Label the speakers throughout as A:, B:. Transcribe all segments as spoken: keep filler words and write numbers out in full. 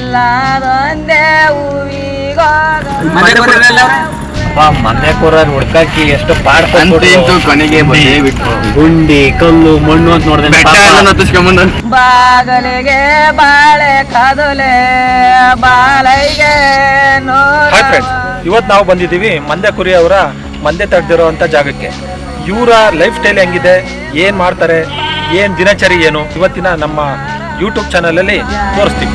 A: ಇಲ್ಲದೊಂದೇ ಹೂವಿಗೋಗ
B: ಮನೆ ಕೂರ ಹುಡ್ಕಾಕಿ ಎಷ್ಟು
C: ಪಾಡ್ಕೊಂತು ಕೊನೆಗೆ ಬಿಟ್ಟು
B: ಗುಂಡಿ ಕಲ್ಲು ಮಣ್ಣು ಅಂತ ನೋಡಿದೆ.
A: ಬಾಗಲಿಗೆ ಬಾಳೆ ಕದಲೆ ಬಾಳೆಗೆ
D: ಹಾಯ್ ಫ್ರೆಂಡ್ಸ್, ಇವತ್ತು ನಾವು ಬಂದಿದ್ದೀವಿ ಮಂದ್ಯ ಕುರಿ ಅವರ ಮಂದೆ ತಡೆದಿರೋ ಅಂತ ಜಾಗಕ್ಕೆ. ಇವರ ಲೈಫ್ ಸ್ಟೈಲ್ ಹೆಂಗಿದೆ, ಏನು ಮಾಡ್ತಾರೆ, ಏನು ದಿನಚರಿ ಏನು ಇವತ್ತಿನ ನಮ್ಮ ಯೂಟ್ಯೂಬ್ ಚಾನಲಲ್ಲಿ ತೋರಿಸ್ತೀವಿ.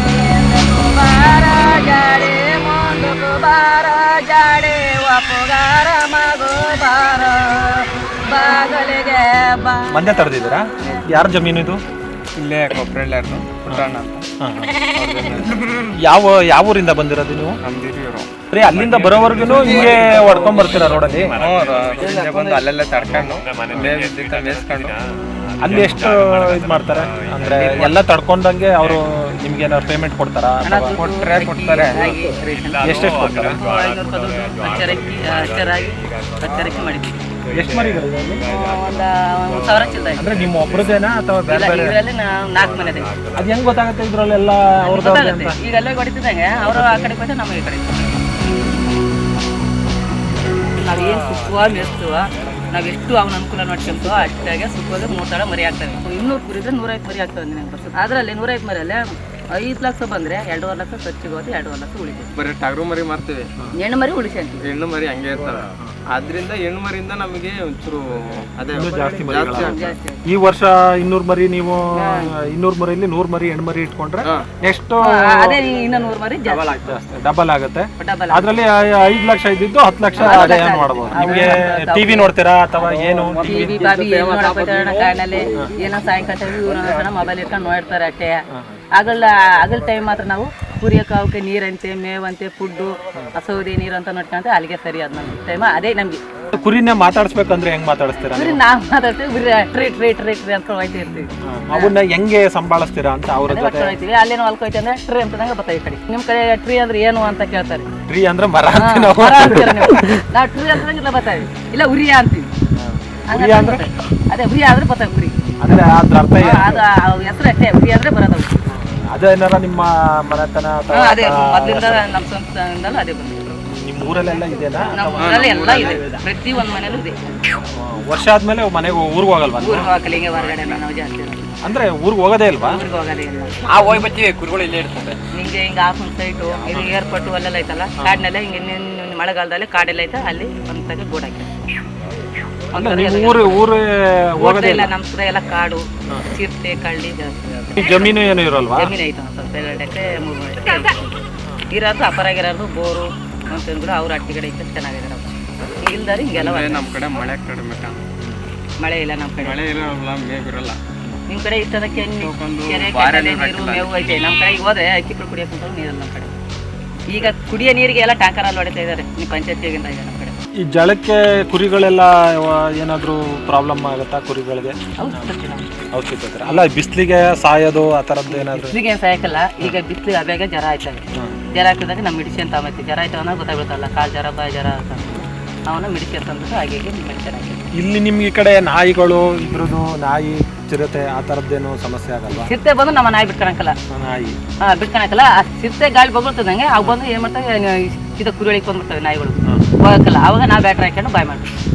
D: ಮಂದೆ ತಡೆದಿದ್ದೀರಾ? ಯಾರ ಜಮೀನು ಇದು?
C: ಇಲ್ಲೇ ಕೊಪ್ಪರಳ್ಳಿಯರ್ದು ಪುಟ್ಟಣ್ಣ ಅಂತ.
D: ಯಾವ ಯಾವ ಊರಿಂದ ಬಂದಿರೋದು ನೀವು?
C: ನಮ್ದಿರಿಯವರು
D: ಬರೀ ಅಲ್ಲಿಂದ ಬರೋವರೆಗೂ ಹಿಂಗೆ ಹೊಡ್ಕೊಂಡ್ ಬರ್ತೀರಾ ರೋಡಲ್ಲಿ?
C: ಬಂದು ಅಲ್ಲೆಲ್ಲ ತಡ್ಕೊಂಡು ಮೇಯಿಸ್ಕೊಂಡು.
D: ಅಲ್ಲಿ ಎಷ್ಟು ಇದು ಮಾಡ್ತಾರೆ ಅಂದ್ರೆ ಎಲ್ಲ ತಡ್ಕೊಂಡಂಗೆ ಅವರು ನಿಮ್ಗೆ ಏನಾದ್ರು ಪೇಮೆಂಟ್ ಕೊಡ್ತಾರಾ?
C: ಕೊಟ್ಟರೆ ಕೊಡ್ತಾರೆ.
D: ಎಷ್ಟೆಷ್ಟು ಕೊಡ್ತಾರೆ? ಎಷ್ಟು ಮರಿಗಳಿದೆ ಅಲ್ಲಿ? ಅಂದ್ರೆ ನಿಮ್ಮ ಒಬ್ರದೇನಾ ಅಥವಾ ಬೇರೆ ಬೇರೆ?
A: ನಾಲ್ಕು ಮನೆ
D: ಅದ್ ಹೆಂಗ್ ಗೊತ್ತಾಗುತ್ತೆ ಇದ್ರಲ್ಲೆಲ್ಲ ಅವ್ರದ್ದು?
A: ಈಗ ಅಲ್ಲೇ ಹೊಡಿತಿದ್ದಂಗೆ ಅವರು ಆ ಕಡೆ ಕೊಟ್ಟರೆ ನಮಗೆ ಈ ಕಡೆ. ನಾವೇನು ಸುಖವ ಮೆಸ್ತುವ ನಾವೆಷ್ಟು ಅವನ ಅನುಕೂಲ ನೋಡ್ಕೊಂತು ಅಷ್ಟಾಗೆ ಸುಖವಾಗಿ ಮೂರು ತಡ ಮರಿ ಆಗ್ತವೆ. ಇನ್ನೂರು ಕುರಿದ್ರೆ ನೂರೈವತ್ತು ಮರಿ ಆಗ್ತವೆ ನನಗೆ ಬರ್ತದೆ. ಅದರಲ್ಲಿ ನೂರೈವತ್ತು ಮರಿಯಲ್ಲೇ ಐದು ಲಕ್ಷ ಬಂದರೆ ಎರಡೂವರೆ ಲಕ್ಷ ಖರ್ಚಿಗೆ ಹೋಗಿ ಎರಡೂವರೆ ಲಕ್ಷ ಉಳಿತೀವಿ.
C: ಬರೀ ಟಗರು ಮರಿ ಮಾರ್ತೀವಿ,
A: ಹೆಣ್ಣು ಮರಿ ಉಳಿಸಿ ಅಂತೀವಿ.
C: ಹೆಣ್ಣು ಮರಿ ಹಂಗೆ ಇರ್ತವೆ. ಆದ್ರಿಂದ ಹೆಣ್ಣು ಮರಿಯಿಂದ ನಮಗೆ ಒಂಚೂರು ಅದೇ
D: ಜಾಸ್ತಿ
A: ಜಾಸ್ತಿ.
D: ಈ ವರ್ಷ ಇನ್ನೂರು ಮರಿ ನೀವು ಇನ್ನೂರು ಮರಿಲಿ ನೂರು ಮರಿ ಹೆಣ್ಣು ಮರಿ ಇಟ್ಕೊಂಡ್ರೆ ಎಷ್ಟು?
A: ಅದೇ ಇನ್ನು ನೂರು ಮರಿ ಜಾಸ್ತಿ
D: ಡಬಲ್ ಆಗುತ್ತೆ.
A: ಡಬಲ್
D: ಅದ್ರಲ್ಲಿ ಐದು ಲಕ್ಷ ಇದ್ದಿದ್ದು ಹತ್ತು ಲಕ್ಷ ಆದಾಯ ಮಾಡಬಹುದು. ನಿಮ್ಗೆ ಟಿವಿ ನೋಡ್ತೀರಾ ಅಥವಾ ಏನು?
A: ಟಿವಿ ಬಾಬಿ ಏನು ನೋಡಕ್ ಹೋಗ್ತಾರ ಕಾಡಿನಲ್ಲಿ ಏನೋ ಸಾಯಂಕಾಲ ಮೊಬೈಲ್ ಇಟ್ಕೊಂಡು ನೋಡ್ತಾರೆ ಅಷ್ಟೇ. ಆಗಲ್ಲ ಆಗಲ್ ಟೈಮ್ ಮಾತ್ರ ನಾವು ಕುರಿಯಕ್ಕೆ ಅವಕ್ಕೆ ನೀರಂತೆ ಮೇವಂತೆ ಫುಡ್ಡು ಸೌದೆ ನೀರು ಅಂತ ನೋಡ್ಕೊಂಡ್ರೆ ಅಲ್ಲಿಗೆ ಸರಿ ಅದ್ ನಮ್ಗೆ ಟೈಮ್ ಅದೇ ನಮ್ಗೆ.
D: ಕುರಿನ ಮಾತಾಡಿಸ್ಬೇಕಂದ್ರೆ ಹೆಂಗ್ ಮಾತಾಡಿಸ್ತೀರಾ?
A: ಕುರಿ ನಾವು ಮಾತಾಡ್ತೀವಿ, ಬರೀ ಟ್ರೀ ಟ್ರೀ ಟ್ರೀ ಟ್ರೀ ಅಂತ ಹೋಯ್ತಾ ಇರ್ತೀವಿ.
D: ಅವನ್ನ ಹೆಂಗೆ ಸಂಭಾಳಿಸ್ತೀರಾ ಅಂತ ಅವ್ರ ಜೊತೆ
A: ಹೋಯ್ತೀವಿ. ಅಲ್ಲೇನೋ ಹೊಲ್ಕೋಯ್ತು ಅಂದ್ರೆ ಟ್ರೀ ಅಂತಂದಾಗ ಬರ್ತಾವೆ. ಈ ಕಡೆ ನಿಮ್ ಕಡೆ ಟ್ರೀ ಅಂದ್ರೆ ಏನು ಅಂತ ಕೇಳ್ತಾರೆ.
D: ಟ್ರೀ ಅಂದ್ರೆ ಮರ
A: ನಾವು ಟ್ರೀ ಅಂತಂಗಿಲ್ಲ ಬರ್ತಾವೆ, ಇಲ್ಲ ಉರಿಯ ಅಂತೀವಿ. ಅದೇ ಉರಿಯ ಆದ್ರೆ ಬರ್ತಾವೆ ಕುರಿ.
D: ಅಂದ್ರೆ ಅದ್ರ ಅರ್ಥ
A: ಅದು ಹೆಸರು ಅಷ್ಟೇ, ಉರಿ ಅಂದ್ರೆ ಬರೋದವು.
D: ಅದೇನಾರ ನಿಮ್ಮ ಮನೆತನ
A: ಅದೇ ಮೊದಲಿಂದ ನಮ್ಮ ಸ್ವಂತದಿಂದಲೂ ಅದೇ ಬಂದಿದೆ.
D: ನಿಮ್ಮ ಊರಲ್ಲೆಲ್ಲ ಇದೆನಾ?
A: ನಮ್ಮ ಊರಲ್ಲಿ ಎಲ್ಲ ಇದೆ, ಪ್ರತಿ ಒಂದು ಮನೇಲೂ ಇದೆ.
D: ವರ್ಷ ಆದ್ಮೇಲೆ ಮನೆಗೆ ಊರಿಗೆ ಹೋಗಲ್ವಾ?
A: ಊರಿಗೆ ಹೋಗಲ್ಲ, ಹಿಂಗೆ ಹೊರಗಡೆ ನಾವು ಜಾಸ್ತಿ
D: ಅಂದ್ರೆ ಊರಿಗೆ ಹೋಗೋದೇ ಇಲ್ವಾ?
A: ಊರಿಗೆ ಹೋಗೋದೇ ಇಲ್ಲ.
C: ಆ ಹೋಗಿ ಬರ್ತೀವಿ, ಕುರಿಗಳು ಇಲ್ಲೇ ಇರ್ತದೆ.
A: ಹಿಂಗೆ ಹಿಂಗೆ ಹಾಫನ್ ಸೈಟು ಇದು ಏರ್ಪೋರ್ಟು ಅಲ್ಲೆಲ್ಲ ಐತಲ್ಲ ಕಾಡಿನೆಲ್ಲ ಹಿಂಗೆ ನಿನ್ನ ಮಳೆಗಾಲದಲ್ಲಿ ಕಾಡೆಲ್ಲ ಐತೆ ಅಲ್ಲಿ ಒಂದು ತಗ ಗೋಡ್ ಹಾಕಿ
D: ಊರು ಊರು
A: ಹೋಗೋದೇ ಇಲ್ಲ. ನಮ್ಮ ಕಡೆ ಎಲ್ಲ ಕಾಡು, ಚಿರತೆ, ಕಳ್ಳಿ ಜಾಸ್ತಿ.
D: ಜಮೀನು ಏನು ಇರಲ್ವಾ?
A: ಜಮೀನು ಐತೆ ಸ್ವಲ್ಪ ಎರಡು ಎಕರೆ ಮೂರು ಎಕರೆ ಇರೋದು ಅಪರಾಗಿರೋದು ಬೋರು ಅಂತಂದ್ರು ಅವ್ರ ಅಟ್ಟಿಗಡೆ ಐತೆ ಚೆನ್ನಾಗಿದ್ದಾರೆ. ಇಲ್ದಾರೆ ಹಿಂಗೆಲ್ಲ
C: ನಮ್ಮ ಕಡೆ ಮಳೆ ಕಡಿಮೆ,
A: ಮಳೆ ಇಲ್ಲ ನಮ್ಮ ಕಡೆ.
C: ಮಳೆ ಇರೋಲ್ಲ, ಮೇವು ಇರಲ್ಲ.
A: ನಿಮ್ಮ ಕಡೆ ಇಷ್ಟದ ಕೆರೆ ಕೆರೆ ನೀರು ಮೇವು ಐತೆ. ನಮ್ಮ ಕಡೆ ಹೋದ್ರೆ ಅಕ್ಕಿಗಳು ಕುಡಿಯೋಕ್ಕಂತ ನೀರಲ್ಲ ನಮ್ಮ ಕಡೆ. ಈಗ ಕುಡಿಯೋ ನೀರಿಗೆ ಎಲ್ಲ ಟ್ಯಾಂಕರಲ್ಲಿ ಹೊಡಿತಾ ಇದ್ದಾರೆ. ನೀವು ಪಂಚಾಯತಿಗಿಂತ ಇದೆ ನಮ್ಮ ಕಡೆ.
D: ಈ ಜಳಕ್ಕೆ ಕುರಿಗಳೆಲ್ಲ ಏನಾದರೂ ಪ್ರಾಬ್ಲಮ್ ಆಗುತ್ತಾ ಕುರಿಗಳಿಗೆ? ಔಷಧಿ ತಗೋತಾರೆ ಅಲ್ಲ, ಬಿಸಿಲಿಗೆ ಸಾಯೋದು ಆ ಥರದ್ದು ಏನಾದರೂ?
A: ಬಿಸಿಲಿಗೆ ಏನು ಸಾಯಕ್ಕಲ್ಲ. ಈಗ ಬಿಸಿಲಿಗೆ ಅಬ್ಯಾಗ ಜ್ವರ ಆಯ್ತವೆ. ಜ್ವರ ಆಗ್ತದಾಗ ನಮ್ಮ ಮೆಡಿಸಿನ್ ತಗೊಂಬತ್ತಿ. ಜ್ವರ ಆಯ್ತು ಅನ್ನೋ ಗೊತ್ತಾಗ್ಬಿಡ್ತಲ್ಲ, ಕಾಲು ಜ್ವರ ಬಾಯಿ ಜ್ವರ ಅಂತ ಅವನ್ನ ಮೆಡಿಸಿನ್ ತಂದ್ಬಿಟ್ಟು ಹಾಗೆ ಮೆಡಿಸಿನ್ ಹಾಕಿ.
D: ಇಲ್ಲಿ ನಿಮ್ಗೆ ಈ ಕಡೆ ನಾಯಿಗಳು ಇದ್ರದ್ದು ನಾಯಿ ಚಿರತೆ ಆ ಥರದ್ದೇನು ಸಮಸ್ಯೆ ಆಗಲ್ವಾ?
A: ಚಿರತೆ ಬಂದು ನಮ್ಮ ನಾಯಿ ಬಿಟ್ಕೊಳಕಲ್ಲ.
D: ನಾಯಿ
A: ಹಾಂ ಬಿಟ್ಕೊಳಕಲ್ಲ. ಆ ಚಿರತೆ ಗಾಳಿ ಬಗ್ಬಿಡ್ತದಂಗೆ ಅವು ಬಂದು ಏನು ಮಾಡ್ತವೆ, ಇದು ಕುರಿ ಒಳಗೆ ಬಂದ್ಬಿಡ್ತವೆ ನಾಯಿಗಳು ಹೋಗಕ್ಕಲ್ಲ. ಅವಾಗ ನಾವು ಬ್ಯಾಟ್ರಿ ಹಾಕೊಂಡು ಬಾಯ್ ಮಾಡ್ತೀವಿ.